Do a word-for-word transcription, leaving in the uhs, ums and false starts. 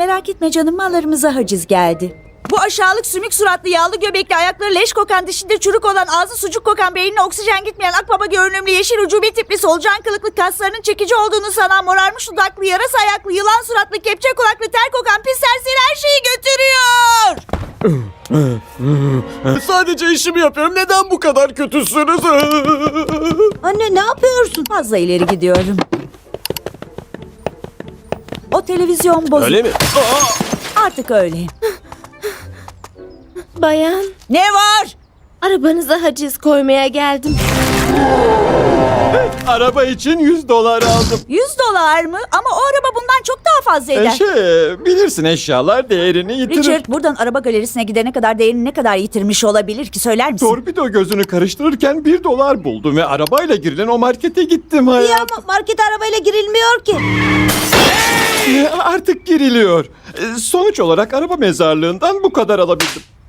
Merak etme canım, mallarımıza haciz geldi. Bu aşağılık sümük suratlı, yağlı göbekli, ayakları leş kokan, dişinde çürük olan, ağzı sucuk kokan, beynine oksijen gitmeyen, akbaba görünümlü, yeşil ucubi tipli, solucan kılıklı, kaslarının çekici olduğunu sanan, morarmış dudaklı, yarasa ayaklı, yılan suratlı, kepçe kulaklı, ter kokan, pis serseri her şeyi götürüyor. Sadece işimi yapıyorum. Neden bu kadar kötüsünüz? Anne, ne yapıyorsun? Fazla ileri gidiyorum. O televizyon bozuk. Öyle mi? Artık öyle. Bayan, Ne var? arabanıza haciz koymaya geldim. Araba için yüz dolar aldım. Yüz dolar mı? Ama o araba bundan çok daha fazla eder. E şey, bilirsin eşyalar değerini yitirir. Richard, buradan araba galerisine gidene kadar değerini ne kadar yitirmiş olabilir ki, söyler misin? Torpido gözünü karıştırırken bir dolar buldum ve arabayla girilen o markete gittim Ya hayatım. ama markete arabayla girilmiyor ki. E, Artık giriliyor. E, Sonuç olarak araba mezarlığından bu kadar alabildim.